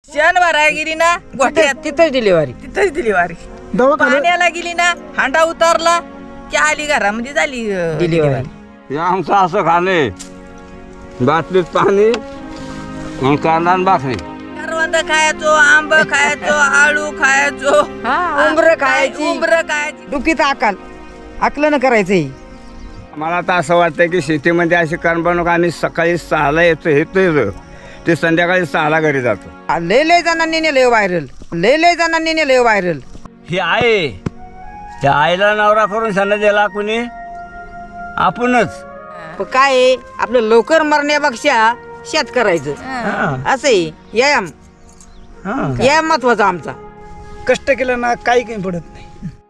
शेण भरायला गेली ना गोठ्यात तिथंच डिलिव्हरी. तिथंच दिली वारी. दवाखान्यात पाण्याला गेली ना हांडा उतारला की आली घरामध्ये झाली डिलिव्हरी. हे आमचं असं खाणे बाटलीत पाणी आणि कांदा आणि भाकरी. करवंद खायचो, आंब खायचो, आळू खायचो, उंबरं खायची. उंबरं खायची. डुकीत आकलन करायचंय. मला तर असं वाटतं की शेतीमध्ये अशी कारण बनवू का आम्ही सकाळी 6ला येतो ते संध्याकाळी 6ला घरी जातो. लय जणांनी नेलंय व्हायरल. लय जणांनी नेलंय व्हायरल. ही आहे त्या आईला नवरा करून सण दिला कुणी आपणच. पण काय आहे, आपलं लवकर मरण्यापेक्षा शेत करायचं असं आहे. व्यायाम महत्वाचा आमचा. कष्ट केलं ना काही पडत नाही.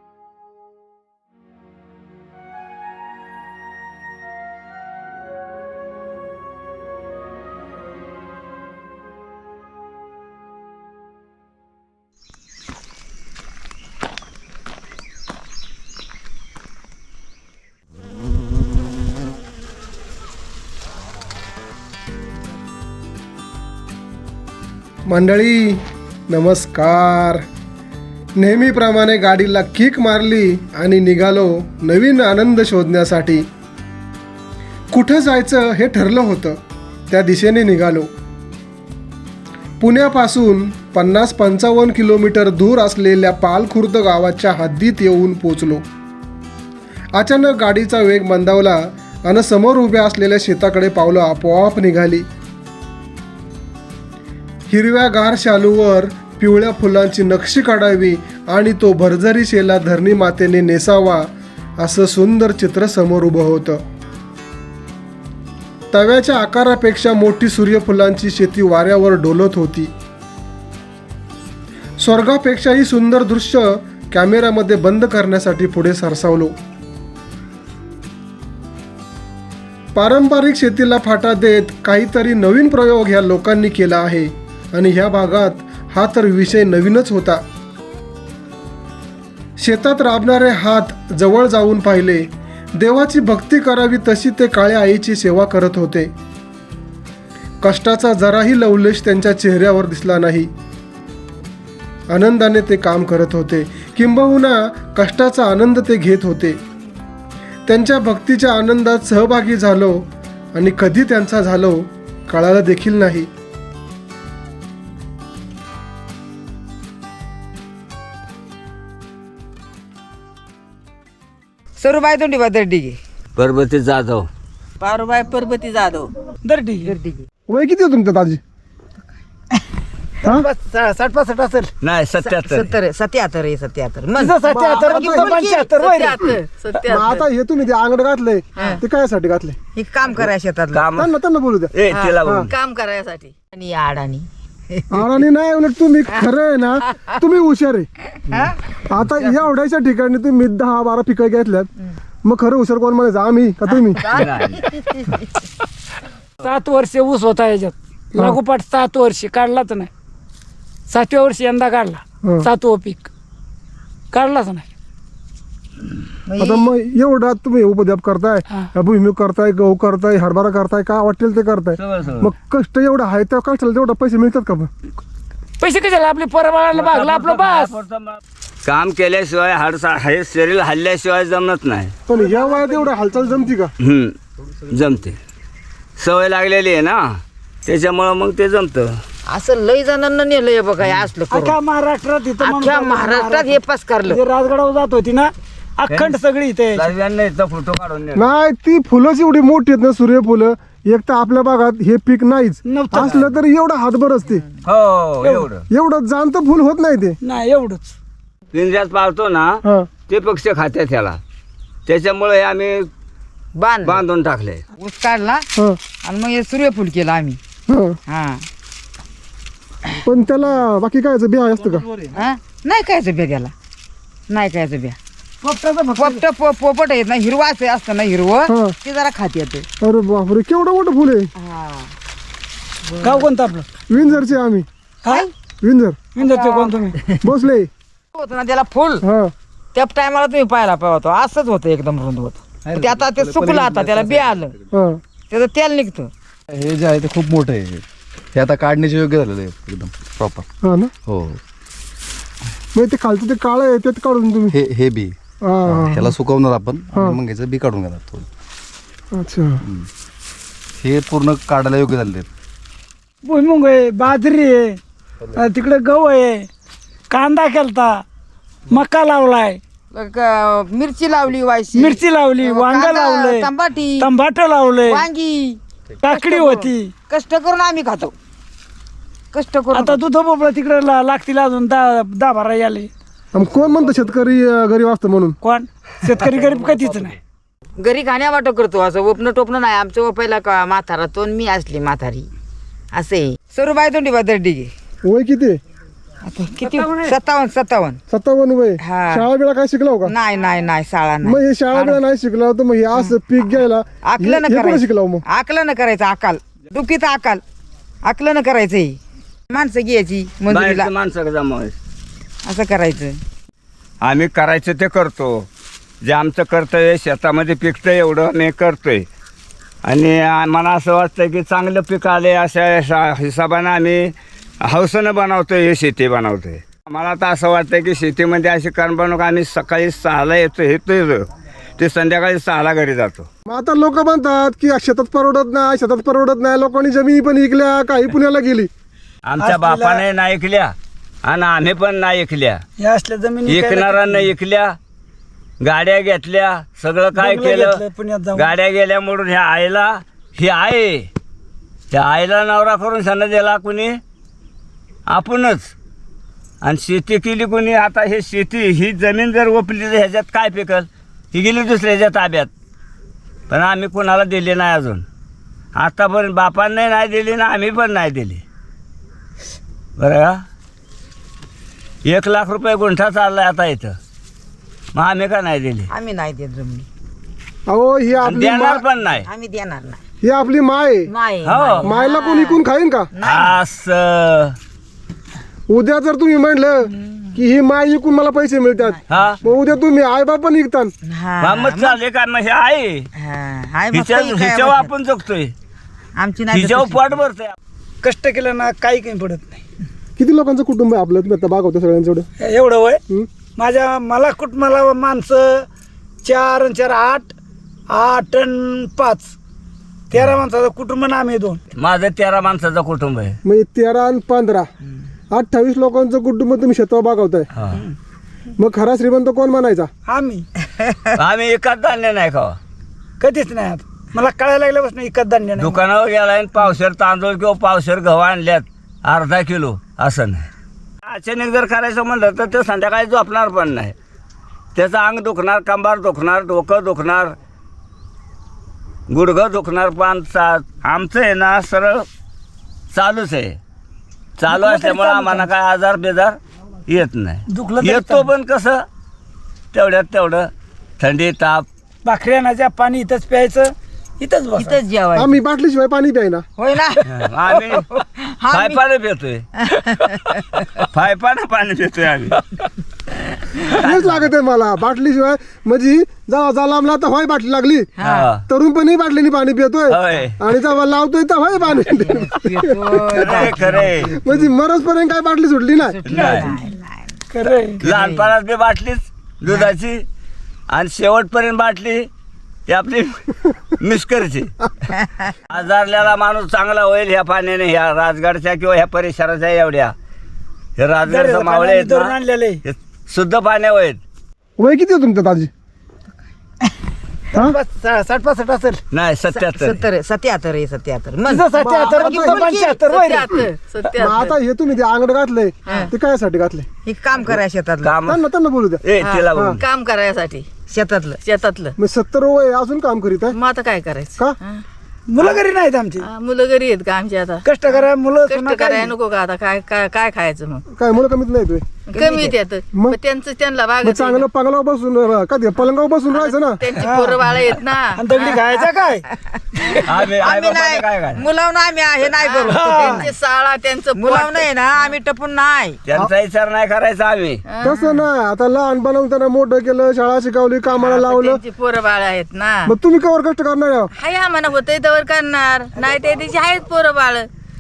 मंडळी नमस्कार. नेहमीप्रमाणे गाडीला किक मारली आणि निघालो नवीन आनंद शोधण्यासाठी. कुठं जायचं हे ठरलं होतं, त्या दिशेने निघालो. पुण्यापासून 50-55 किलोमीटर दूर असलेल्या पालखुर्द गावाच्या हद्दीत येऊन पोचलो. अचानक गाडीचा वेग मंदावला आणि समोर उभ्या असलेल्या शेताकडे पावलं आपोआप निघाली. हिरव्यागार शालूवर पिवळ्या फुलांची नक्षी काढावी आणि तो भरझरी शेला धरणी मातेने नेसावा असं सुंदर चित्र समोर उभं होतं. तव्याच्या आकारापेक्षा मोठी सूर्यफुलांची शेती वाऱ्यावर डोलत होती. स्वर्गापेक्षाही सुंदर दृश्य कॅमेऱ्यामध्ये बंद करण्यासाठी पुढे सरसावलो. पारंपरिक शेतीला फाटा देत काहीतरी नवीन प्रयोग ह्या लोकांनी केला आहे आणि ह्या भागात हा तर विषय नवीनच होता. शेतात राबणारे हात जवळ जाऊन पाहिले. देवाची भक्ती करावी तशी ते काळ्या आईची सेवा करत होते. कष्टाचा जराही लवलेश त्यांच्या चेहऱ्यावर दिसला नाही. आनंदाने ते काम करत होते, किंबहुना कष्टाचा आनंद ते घेत होते. त्यांच्या भक्तीच्या आनंदात सहभागी झालो आणि कधी त्यांचा झालो कळालं देखील नाही. सरूबाई तोंडीबा दर्डिगे. पर्वती जाधव. पारुबाई पर्वती जाधव. दर्डिगे. वय किती होतं तुमचं दाजी? 60-65 असेल. नाही 77. 77. मग आता हे तुम्ही ते आंगड घातलंय ते कायसाठी घातलंय? हे काम करा शेतात. काम त्यांना बोलू द्या. ए तिला बोल. काम करायसाठी. आणि अडाणी. आणि नाही उलट तुम्ही खरं आहे ना, तुम्ही हुशार आहे. आता या ओढ्याच्या ठिकाणी तुम्ही 10-12 पिकं घेतल्यात, मग खरं हुशार कोण म्हणायचं, आम्ही का तुम्ही? 7 वर्ष ऊस होता याच्यात लागोपाठ 7 वर्ष काढलाच नाही. 7व्या वर्षी यंदा काढला. 7वं पीक काढलाच नाही. आता मग एवढा तुम्ही उपद्याप करताय, भुईमुग करताय, गहू करताय, हरभरा करताय, काय वाटेल ते करताय. मग कष्ट एवढं आहे त्या कष्टाला तेवढा पैसे मिळतात का? पैसे कशाला, आपले परवाळाला भागला आपलं बास. काम केल्याशिवाय हे शरीर हल्ल्याशिवाय जमत नाही. पण या वयात एवढं हालचाल जमती का? जमते. सवय लागलेली आहे ना, त्याच्यामुळं मग ते जमतं. असं लय जणांना नेलंय बघा हे असलं करून. अख्ख्या महाराष्ट्रात इथं अख्ख्या महाराष्ट्रात हे पसकारलं. जे राजगडावर जात होती ना अखंड सगळी इथे. सर्वांना इथं फोटो काढून नेला. नाही, ती फुलंच एवढी मोठी आहेत ना, सूर्यफुलं. एक तर आपल्या भागात हे पीक नाहीच, नव्हतं. असलं तरी एवढं हातभर असते. हो एवढं. एवढं जाणतं फुल होत नाही ते. नाही एवढंच. पिंजऱ्यात पाळतो ना हा. ते पक्षी खात्यात त्याला, त्याच्यामुळे हे आम्ही बांधून टाकले. ऊस काढला हा. आणि मग हे सूर्यफूल केलं आम्ही. हा. हा. पण त्याला बाकी काय बिया असतं का? हा? नाही कायचं ब्या त्याला. नाही कायचं ब्या. पोपट येत ना, हिरवाच असतं ना हिरवं, हा. ते जरा खात येते. अरे बापरे, केवढं मोठं फुल आहे. गाव कोणतं आपलं? विंझरचे आम्ही. काय विंझर विंदरचे कोण तुम्ही? बसले. होत ना त्याला फुल, हा. त्या टायमाला तुम्ही पाहायला पाहतो असंच होतं एकदम रुंद होत. ते आता ते सुकलं, आता त्याला बी आलं, हा. त्याचं तेल निघतं. हे जे आहे ते खूप मोठं आहे. हे आता काढण्याचे योग्य झालेलं आहे एकदम प्रॉपर. हा ना, हो. मग ते खालचं ते काळं आहे ते काढून तुम्ही. हे बी हा, हा, ह्याला सुकवणार आपण आणि मग ह्याचं बी काढून घेणार थोडं. अच्छा. हे पूर्ण काढायला योग्य झालेले आहेत. भुईमुग आहे, बाजरी आहे, तिकडे गहू आहे, कांदा केलता, मका लावलाय, मिरची लावली वायसी, मिरची लावली, वांग कांदा, लावलंय, तंबाटी, टमाटर लावलंय, वांगी. काकडी होती. कष्ट करून आम्ही खातो, कष्ट करून. आता दूध भोपळा तिकडे लागतील अजून 10-12 याले. आणि कोण म्हणतं शेतकरी गरीब असतं म्हणून? कोण शेतकरी गरीब कधीच नाही. घरी खाण्या वाटो करतो, असं ओपणं टोपणं नाही. आमचं ओपायला का म्हातारा तो मी असली म्हातारी असे. सरूबाई तोंडी बदर्डी वय किती? आता किती? 57. 57 वय. हा. शाळा बिळा काय शिकला हो का? नाही नाही नाही, शाळा मग नाही. हे शाळा बिळा नाही शिकला तर मग हे असं पीक घ्यायला आकलन हे कुठं शिकला हो करायचं, मग? आकलन करायचं, अकाल दुखीत अकाल आकलन करायचं. हे माणसं घ्यायची मंजुरीला, बाहेरचं माणसं जमावायचं. असं करायचं. आम्ही करायचं ते करतो. जे आमचं कर्तव्य शेतामध्ये पिकतं एवढं आम्ही करतोय. आणि आम्हाला असं वाटतं की चांगलं पीक आले अशा हिशोबानं आम्ही हौसेनं बनवतोय, हे शेती बनवतोय. मला तर असं वाटतं की शेतीमध्ये अशी कारण बनवू आम्ही सकाळी 6ला येतोय ते संध्याकाळी 6ला घरी जातो. मग आता लोक म्हणतात की शेतात परवडत नाही. लोकांनी जमिनी पण विकल्या, काही पुण्याला गेली. आमच्या बापाने नाही ऐकल्या आणि आम्ही पण नाही ऐकल्या. या असल्या जमिनी ऐकणाऱ्यांना ऐकल्या, गाड्या घेतल्या, सगळं काय बंगलं घेतलं केलं. पुण्यात जाऊन. गाड्या गेल्या म्हणून ह्या आईला ही आहे, त्या आईला नवरा करून सण दिला कुणी? आपणच. आणि शेती केली कुणी? आता हे शेती ही जमीन जर ओपली तर ह्याच्यात काय पिकल? ही गेली दुसऱ्याच्या ताब्यात. पण आम्ही कुणाला दिली नाही अजून आतापर्यंत. बापांनी नाही दिली ना आम्ही पण नाही दिली. बरं का? 1 लाख रुपये गुंठा चाललाय आता इथं, मग आम्ही का नाही दिली? आम्ही नाही देत जमिनी, अहो ही आणि आपली देणार पण नाही. आम्ही देणार नाही. ही आपली माय आहे. नाही हो. मायला कोण इकून खाईन का? असं उद्या जर तुम्ही म्हणलं की ही माय इकून मला पैसे मिळतात, हा मग उद्या तुम्ही आई बाप पण इकता. हा, मग चालले काय? मग हे आहे हा, हाय मग काही काय हिच्यावर म्हणतात. आपण जगतोय, आमची नाही हिच्यावर तशी. पोट भरतोय. कष्ट केलं ना काही काही पडत नाही. किती लोकांचं कुटुंब आहे आपलं? तुम्ही आता बागवता सगळ्यांचं एवढं. एवढं वय हं? मला कुटुंबाला माणसं 4 आणि 4 8 आणि 5 13 माणसाचं कुटुंब ना आम्ही 2. माझं 13 माणसाचं कुटुंब आहे. म्हणजे 13 आणि 15 28 लोकांचं कुटुंब तुम्ही शेतावर बागवताय. हा. मग खरा श्रीमंत कोण म्हणायचा? आम्ही आम्ही एकच धान्य नाही खावा. कधीच नाही. आता मला कळायला लागल्यापासून इकत धान्य नाही. दुकानावर गेला आणि पावशेर तांदूळ किंवा पावशेर गहू आणल्यात अर्धा किलो असं नाही. अचानक जर करायचं म्हणलं तर ते संध्याकाळी झोपणार पण नाही. त्याचं अंग दुखणार, कंबार दुखणार, डोकं दुखणार, गुडघं दुखणार. पण आमचं आहे ना सरळ चालूच आहे. चालू असल्यामुळे आम्हाला काय आजार बेजार येत दुखलं नाही. तरी येतो चालू. पण कसं तेवढ्यात तेवढं थंडी ताप. भाकरी आणायच्या, पाणी इथंच प्यायचं, इथंच बस. इथंच जेवायचं. आम्ही बाटलीशिवाय पाणी प्यायना. होय ना. आम्ही फायपानं पितोय, फायपानं पाणी पितोय आम्ही. तेच लागत आहे मला बाटलीशिवाय. म्हणजे जेव्हा लांबला तर होय बाटली लागली, हा. तरुणपणी बाटलीने पाणी पितोय होय. आणि जेव्हा लावतोय तर होय पाणी. खरे खरे म्हणजे मरसपर्यंत काय बाटली सुटली ना. नाही. खरंय. लहानपणात बी बाटलीच दुधाची आणि शेवटपर्यंत बाटली ही आपली मिस्करची. आजारलेला माणूस चांगला होईल ह्या पाण्याने, ह्या राजगडच्या किंवा ह्या परिसराच्या एवढ्या हे राजगडचं मावळे आहेत धरून ना, आणलेले. हे शुद्ध पाण्या आहेत. वय किती आहे तुमचं दाजी? 60-65 असेल. नाही 77. 77 आहे 77. मग तुझं 77 मग तुझं 75 होय रे. मग आता हे तुम्ही ते अंगड घातलंय ते कायसाठी घातलंय? हे काम करायचं शेतातलं, काम त्यांना बोलू द्या. ए तिला बोल. काम करायसाठी शेतातलं मग 70 वय अजून काम करीत आहे मग आता काय करायचं का? मुलं घरी नाहीत आमची. मुलं घरी आहेत का आमची? आता कष्ट करा मुलं कष्ट सुना करायला काय. नको का? आता काय काय काय खायचं मग? काय मुलं कमीत नाही तुम्ही? कमी त्यात मग? मग त्यांचं त्यांना मग बागत चांगलं पगलावर बसून का ते पलंगावर बसून राहायचं ना. त्यांची पोरं बाळ आहेत ना. आणि दगडी खायचा काय. आम्ही आई आम्ही बापाने काय नाही काय मुलावून आम्ही हे नाही करू. त्यांची शाळा त्यांचं मुलावून आहे ना आम्ही टपून नाही. त्यांचा विचार नाही करायचा आम्ही. तसं ना. आता लहान बनवून त्यांना मोठं केलं, शाळा शिकवली, कामाला लावलं. त्यांची पोरं बाळ आहेत ना. मग तुम्ही कवर कष्ट करणार आहे? हाय आम्हाला होतंय तवर करणार नाही ते त्याची आहेत पोरं बाळ.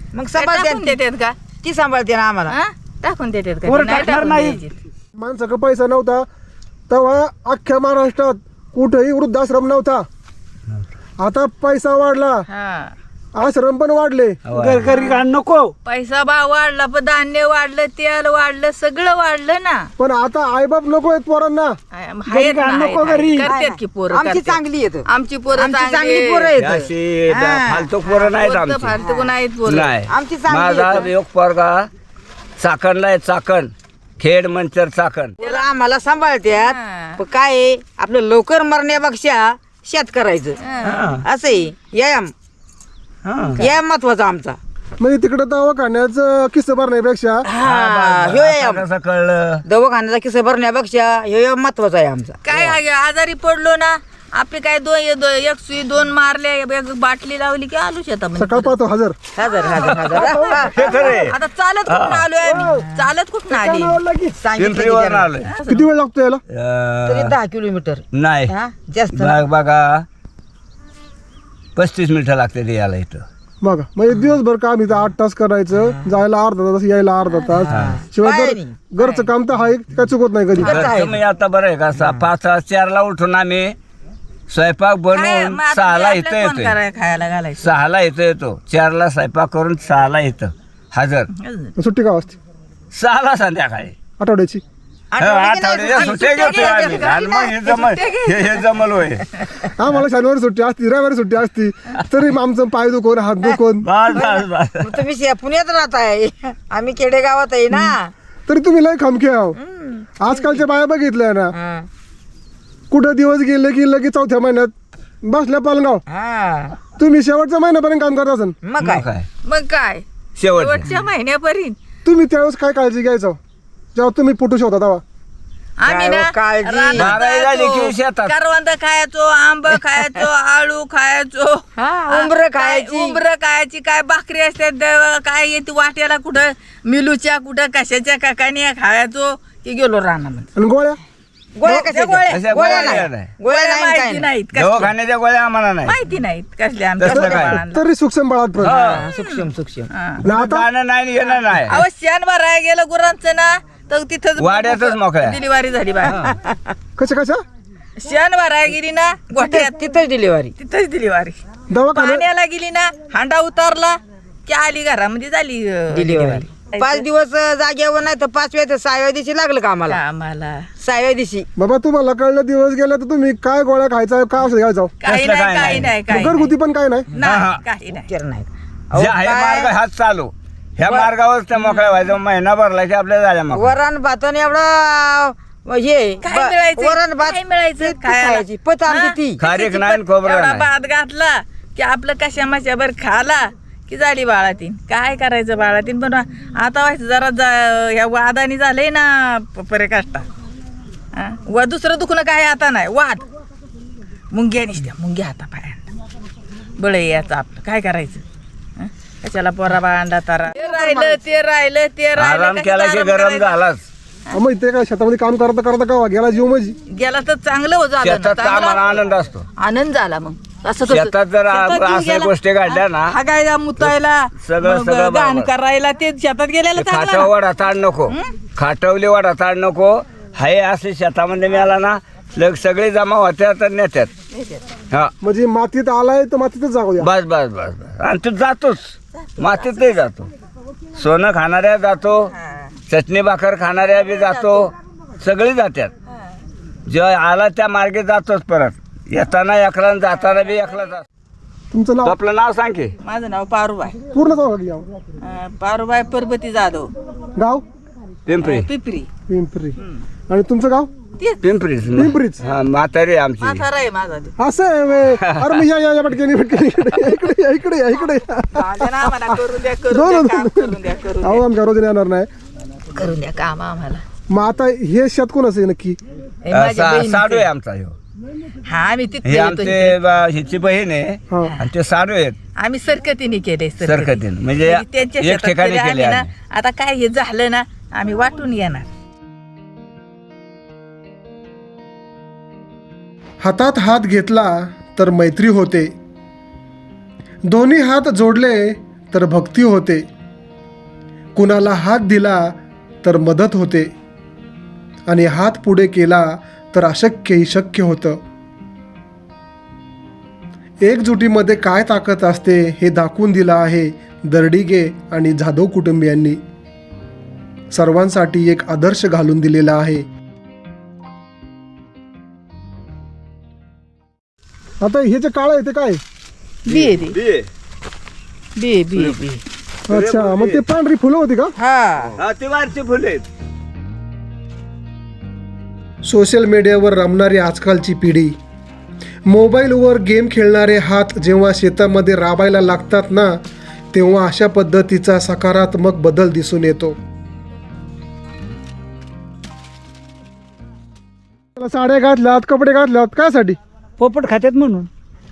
मग काय सांभाळते टाकून देतात का ती सांभाळते ना आम्हाला हा? टाकून देतात का वर नाही टाकणार टाकून नाही. द्यायची. माणसाकडे पैसा नव्हता तेव्हा अख्ख्या महाराष्ट्रात कुठेही वृद्धाश्रम नव्हता. आता पैसा वाढला, हा आश्रम पण वाढले. घरी घाण नको. पैसा भाव वाढला पण धान्य वाढलं, तेल वाढलं, सगळं वाढलं ना. पण आता आईबाप नको आहेत पोरांना. आहेत ना, घाण नको आहेत, घरी. करतात की पोरं आमची करतात. चांगली येत आमची पोरं आमची चांगली चांगली पोरं हे येत अशी हा. फालतू पोरं नाहीत आमची. फालतू नाहीत पोरं. नाही आमची चांगली माझा आहेत. एक पोरगा चाकणला आहे, चाकण खेड मंचर चाकण. पोरं आम्हाला सांभाळतात. हा. पण काय आहे, आपलं लवकर मरण्यापेक्षा शेत करायचं असं आहे. व्यायाम महत्वाचा आमचा. म्हणजे तिकडे दवाखान्याचं किस्से भरण्यापेक्षा ह्यो व्यायाम कसं कळलं दवाखान्याचा किस्सा भरण्यापेक्षा ह्यो महत्वाचा आहे आमचा. काय आजारी पडलो ना, आपले काय एक सुई 2 मारले, एक बाटली लावली की आलो शेतामध्ये. सकाळ पाहतो हजर. हजार हजार हजार हे खरे आता चालत कुठून आलोय आम्ही, चालत कुठून आली. सांगितलं की पिंपरीवर त्याला. आलोय. किती वेळ लागतो याला? तरी 10 किलोमीटर नाही हा, जास्त नाही. बघा 35 मिनिटं लागते ते यायला इथं. बघा म्हणजे दिवसभर काम इथं 8 तास करायचं, जायला अर्धा तास, यायला अर्धा तास. शिवाय बाहेर घरचं काम तर आहे, काय चुकत नाही कधी. घरचं मी आता बरं आहे का 5-4ला उठून आम्ही स्वयंपाक काय, बनवून मग आता 6ला आपलं इथं कोण येतोय. करायला खायला घालायचं. 6ला इथं येतो, 4ला स्वयंपाक करून 6ला येतं हजर. सुट्टी का असते 6ला संध्याकाळी आठवड्याची? आठवड्याच्या सुट्ट्या घेतोय आम्ही. आणि मग हे जमल होय. आम्हाला शनिवारी सुट्टी असती, रविवारी सुट्टी असती, तरी मग आमचं पाय दुखून, हात दुखून. बस बस बस मग तुम्ही पुण्यात राहताय, आम्ही खेडेगावात आहे ना. तरी तुम्ही लय खमके आहो. आजकालच्या बाया बघितल्या ना, हा. कुठं दिवस गेले की लगेच चौथ्या महिन्यात बसल्या पालगाव. हा. तुम्ही शेवटच्या महिन्यापर्यंत काम करत असाल. मग मग काय काय मग काय शेवटचं शेवटच्या महिन्यापर्यंत तुम्ही त्यावेळेस काय काळजी घ्यायचं जेव्हा तुम्ही फोटो शोधता तेव्हा? आम्ही ना काय काळजी. रानात बाराही झाली जायचो, की शेतात. करवंद खायचो, आंब खायचो, आळू खायचो, हा, उंबरं खायची. उंबरं खायची, काय भाकरी असतात, काय येते वाट्याला, कुठं मिलूच्या, कुठं कशाच्या काकानी खायचो की गेलो रानामध्ये. आणि गोळ्या गोळ्या कशा अशा गोळ्या नाही. गोळ्या नाही काय माहिती नाही. नाहीत कसल्या. दवाखान्याच्या गोळ्या आम्हाला नाही. माहिती नाहीत कसल्या आमच्या तसलं काय? बाळांना. तरी सूक्ष्म बाळात पण. हा, सूक्ष्म सूक्ष्म. हा. आणि आता जाणं नाही येणं नाही. अहो शेण भरायला गेलं गुरांचं ना, तर तिथं वाड्यातच मोकळ्या. डिलिव्हरी झाली बाय. कशा शेण भरायला गेली ना गोठ्यात, तिथंच डिलिव्हरी. तिथंच डिलिव्हरी. दवाखान्यात पाण्याला गेली ना, हांडा उतारला की आली घरामध्ये, झाली डिलिव्हरी. 5 दिवस जागेवर नाही तर 5व्या ते 6व्या दिवशी लागलं का आम्हाला. आम्हाला 6व्या दिवशी बाबा तुम्हाला कळलं दिवस गेला तर तुम्ही काय गोळ्या खायचा, काय औषध घ्यायचं? काही कसलं नाही, काय काही नाही. नाही, काही घरगुती पण काय नाही. नाही, काही नाही. केर नाहीत. जे आहे मार्ग हाच चालू. ह्या मार्गावर त्या मोकळ्या व्हायचं. महिना भरला की आपल्या झाल्या मग वरण भातन एवढं हे काय मिळायचं? वरण भात काय मिळायचं? ती खायला? खायची पत आमची हा? ती. खारीक नाही आणि खोबरं एवढा नाही. भात घातला की आपलं कशा माशाभर खाला की झाली बाळातीन. काय करायचं बाळातीन, पण आता व्हायचं जरा ह्या वादानी झालंय ना परेकाष्टा. व दुसरं दुखणं काय आता नाही, वाद मुंग्या निसत्या, मुंग्या हाता पायांना बळ याचं आपलं काय करायचं. हं? कशाला पोरा बाळांडा तारा, ते राहिलं ते राहिलं ते राहिलं, आराम कशाला केला की आराम गरम करायचा? झालाच. मग ते काय शेतामध्ये काम करता करता का गेला जीव माझी. गेला तर चांगलं हो झालं ना, शेतात चांगला आम्हाला आनंद असतो. आनंद झाला. मग असं तसं. शेतात जर शेतात जीव अशा गेला. गोष्टी घडल्या ना, हागायला मुतायला सगळं मग बरोबर. घाण करायला ते शेतात गेलेलं चांगलं खाटाव ना. वडा ताड नको, खाटवली वडा ताड नको. हाय असे शेतामध्ये मिळाला ना, सगळे जमा होत्या तर नेत्यात. हा म्हणजे मातीत आलाय तर मातीतच जाऊ द्या. बस बस बस बस. आणि तू जातोच मातीतही जातो. सोनं खाणाऱ्या जातो, चटणी भाकर खाणाऱ्या बी जातो, सगळी जात्यात. जेव्हा आला त्या मार्गे जातोच परत. येताना एकला आणि जाताना बी एकला जातो. तुमचं तू नाव आपलं नाव सांग की. माझं नाव पारुबाई, पूर्ण सांगा की गाव. पारुबाई परबती जाधव, गाव पिंपरी. पिपरी. पिंपरी. आणि तुमचं गाव पिंपरीच पिंपरीच. हा म्हातारी आहे आमची. म्हातारा आहे माझा ते. असं आहे व्हय. अरे मी या पटकन इकडे इकडे या, इकडे या, इकडे या. माझ्या ना आम्हाला करून द्या, दोन करून द्या, काम करून द्या, करून अहो आमच्या रोज येणार नाही. द्या, करून द्या काम आम्हाला. मग आता हे शेत कोणाचं आहे नक्की? हे माझ्या बहिणीचं. साडू आहे आमचा ह्यो. हा आम्ही तिथे हे येतो. आमचे हिची बहीण आहे हा. आणि ते साडू आहेत आम्ही सरकतीने केले, सरकतीने. म्हणजे त्यांच्या एक शेतात ठिकाणी केले केले आम्ही ना. आम्ही. आता काय हे झालं ना, आम्ही वाटून येणार. हातात हात घेतला तर मैत्री होते, दोन्ही हात जोडले तर भक्ती होते, कुणाला हात दिला तर मदत होते, आणि हात पुढे केला तर अशक्यही शक्य होतं. एकजुटीमध्ये काय ताकद असते हे दाखवून दिलं आहे दर्डिगे आणि जाधव कुटुंबियांनी. सर्वांसाठी एक आदर्श घालून दिलेला आहे. आता हे जे काळ आहे ते काय? बी आहे ती. बी बी बी. अच्छा, मग ते पांढरी फुलं होती का? हा ते वारची फुले. सोशल मीडियावर रमणारी आजकालची पिढी, मोबाईलवर गेम खेळणारे हात जेव्हा शेतामध्ये राबायला लागतात ना, तेव्हा अशा पद्धतीचा सकारात्मक बदल दिसून येतो. साड्या घातल्यात, कपडे घातल्यात, कायसाठी? पोपट खात्यात म्हणून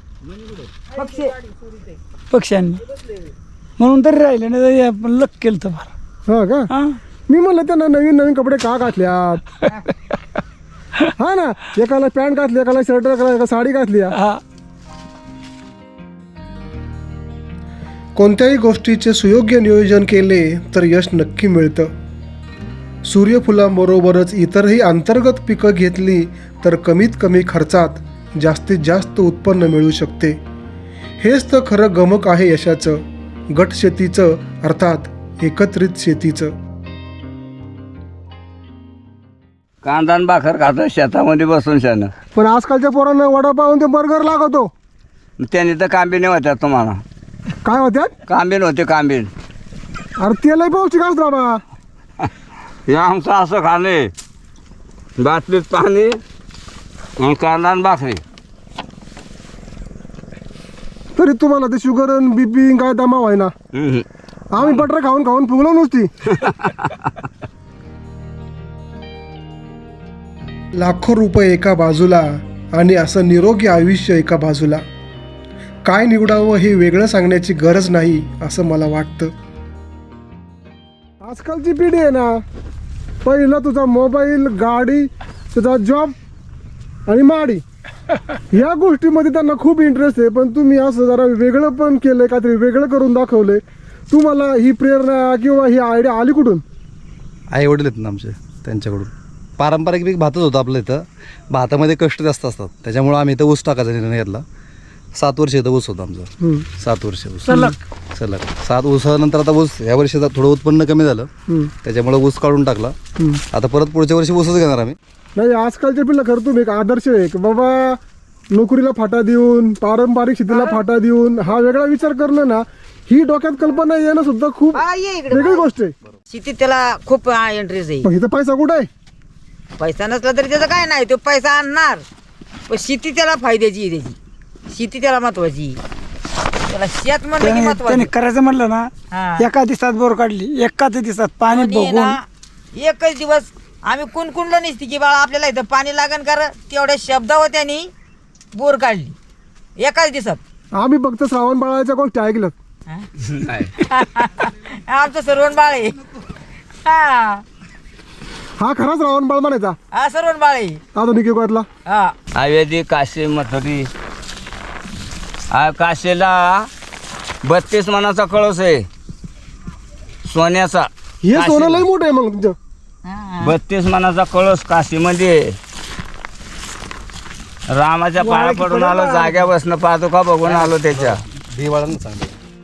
पक्ष्यांनी म्हणून तरी राहिले नाही आपण लक केलं तर फार. हा का? हा मी म्हणलं त्यांना नवीन नवीन कपडे का घातल्यात? हा ना, एकाला पॅन्ट घातली, एकाला शर्ट, एका साडी घातली. हा कोणत्याही गोष्टीचे सुयोग्य नियोजन केले तर यश नक्की मिळतं. सूर्यफुलांबरोबरच इतरही अंतर्गत पिकं घेतली तर कमीत कमी खर्चात जास्तीत जास्त उत्पन्न मिळू शकते. हेच तर खरं गमक आहे यशाचं, गट शेतीचं, अर्थात एकत्रित शेतीचं. कांदा आणि भाकर खातं शेतामध्ये बसून शानं. पण आजकालच्या पोरांना वडापाव आणि ते बर्गर लागतो. त्यांनी तर कांबिने होत्या तुम्हाला. काय होत्यात? कांबीन होते कांबीन. अरे तेलही पौष्टिक असतं बाबा. हे आमचं असं खाणे, बाटलीत पाणी आणि कांदा आणि भाकरी. तरी तुम्हाला ते शुगर आणि बीपी काय दमा व्हाय ना. आम्ही बटर खाऊन खाऊन फुगलो नुसती. लाखो रुपये एका बाजूला आणि असं निरोगी आयुष्य एका बाजूला. काय निवडावं हे वेगळं सांगण्याची गरज नाही असं मला वाटतं. आजकालची पिढी आहे ना, पहिला तुझा मोबाईल, गाडी, तुझा जॉब आणि माडी, या गोष्टीमध्ये त्यांना खूप इंटरेस्ट आहे. पण तुम्ही असं जरा वेगळं पण केलंय, काहीतरी वेगळं करून दाखवलंय. तुम्हाला ही प्रेरणा किंवा ही आयडिया आली कुठून? आई वडील आहेत ना आमचे, त्यांच्याकडून. पारंपरिक पीक भातच होतं आपलं इथं. भातामध्ये कष्ट जास्त असतात, त्याच्यामुळं आम्ही इथं ऊस टाकायचा निर्णय घेतला. 7 वर्ष इथं ऊस होतं आमचं. 7 वर्ष ऊस सलग 7 ऊसानंतर आता ऊस ह्या वर्षी थोडं उत्पन्न कमी झालं, त्याच्यामुळे ऊस काढून टाकला. आता परत पुढच्या वर्षी ऊसच घेणार आम्ही. नाही, आजकालच्या पिढीला खरं तुम्ही एक आदर्श आहे की बाबा नोकरीला फाटा देऊन, पारंपरिक शेतीला फाटा देऊन हा वेगळा विचार करणं ना, ही डोक्यात कल्पना येणं सुद्धा खूप वेगळी गोष्ट आहे. शेतीत त्याला खूप इंटरेस्ट आहे. पण इथं पैसा कुठं आहे? पैसा नसला तरी त्याचं काय नाही, तो पैसा आणणार. पण शेती त्याला फायद्याची आहे, त्याची शेती त्याला महत्वाची. त्याला शेत म्हणलं की त्याने महत्वाचं. करायचं म्हणलं ना, हा. एका दिवसात बोर काढली, एकाच दिवसात पाणी आणि बघून ना, एकच दिवस आम्ही कुणकुणलं नसती की बाळा आपल्याला इथं पाणी लागण कर, तेवढ्या शब्दावर त्यांनी बोर काढली एकाच दिवसात. आम्ही फक्त श्रावण बाळाच्या गोष्टी ऐकल्यात. आमचं सर्वण बाळ आहे. हा हा खरा श्रावण बाळ म्हणायचा हा सर्वण बाळ आहे. आधुनिक युगातला. हा आयुर्वेदिक काशी मथुरी. काशीला 32 मनाचा कळस आहे सोन्याचा. हे सोनं लय मोठं आहे मग तुमचं. 32 मनाचा कळस काशीमध्ये. रामाच्या पाया पडून आलो, जाग्या बसणं पादुका बघून आलो त्याच्या. दिवाळानं चांगलं.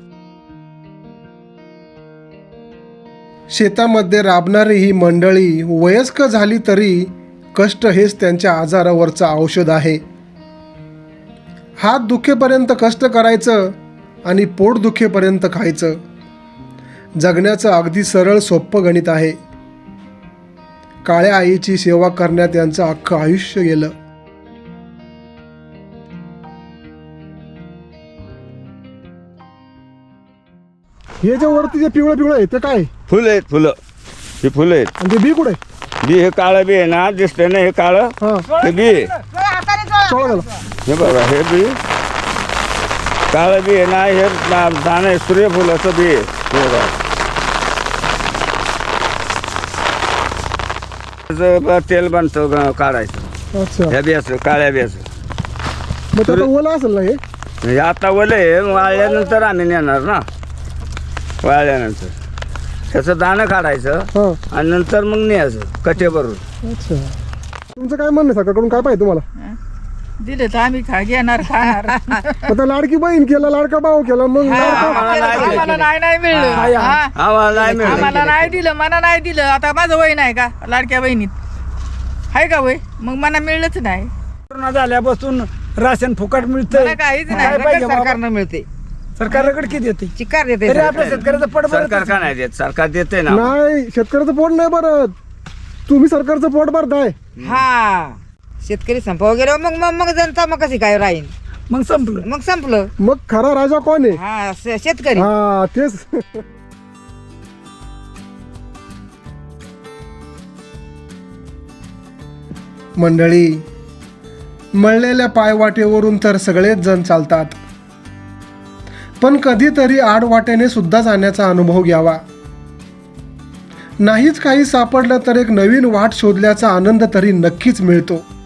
शेतामध्ये राबणारी ही मंडळी वयस्क झाली तरी कष्ट हेच त्यांच्या आजारावरचं औषध आहे. हात दुखेपर्यंत कष्ट करायचं आणि पोट दुखेपर्यंत खायचं. जगण्याचं अगदी सरळ सोपं गणित आहे. काळ्या आईची सेवा करण्यात यांचं अख्खं आयुष्य गेलं. हे जे वरती जे पिवळं पिवळं आहे ते काय? फुलं आहेत, फुलं. हे फुलं आहेत. आणि ते बी कुठे? बी हे काळं बी आहे ना, दिसतंय ना हे काळं, हा, हे बी आहे. चोळा झाला. हे बघा, हे बी काळं बी आहे ना, हे दाणं आहे, सूर्यफुलाचं बी आहे. हे बघा. त्याचं तेल बनतं काढायचं अच्छा, ह्या बियाचं, काळ्या बियाचं. मग त्याला ओला असेल ना हे? हे आता ओले आहे, वाळल्यानंतर आम्ही नेणार ना. वाळल्यानंतर त्याचं दाणं काढायचं हां आणि नंतर मग न्यायचं कटे भरून. अच्छा. तुमचं काय म्हणणं आहे सरकारकडून, काय पाहिजे तुम्हाला? दिलं तर आम्ही घेणार खाणार. आता लाडकी बहीण केला, लाडका भाऊ केला, मग लाडका आम्हाला नाही मिळलं. हा. आम्हाला नाही मिळालं. आम्हाला नाही दिलं, मला नाही दिलं. आता माझं वय नाही का लाडक्या बहिणीत, आहे का वय? मग मला मिळलंच नाही. कोरोना झाल्यापासून राशन फुकट मिळतं. मला काहीच काय नाही. पाहिजे बाबा? सरकारनं मिळते, सरकारकडे किती येते चिकार देते तरी आपल्या शेतकऱ्याचं पड सरकार का नाही देत? सरकार देते ना. नाही, शेतकऱ्याचं पोट नाही भरत, तुम्ही सरकारचं पोट भरताय. हा. शेतकरी संपावर गेलो मग मग मग जनता मग कशी काय राहील? मग संपलं. मग संपलं. मग खरा राजा कोण आहे? हा, शेतकरी. हा तेच. मंडळी, मळलेल्या पायवाटेवरून तर सगळेच जण चालतात, पण कधीतरी आडवाटेने सुद्धा जाण्याचा अनुभव घ्यावा. नाहीच काही सापडलं तर एक नवीन वाट शोधल्याचा आनंद तरी नक्कीच मिळतो.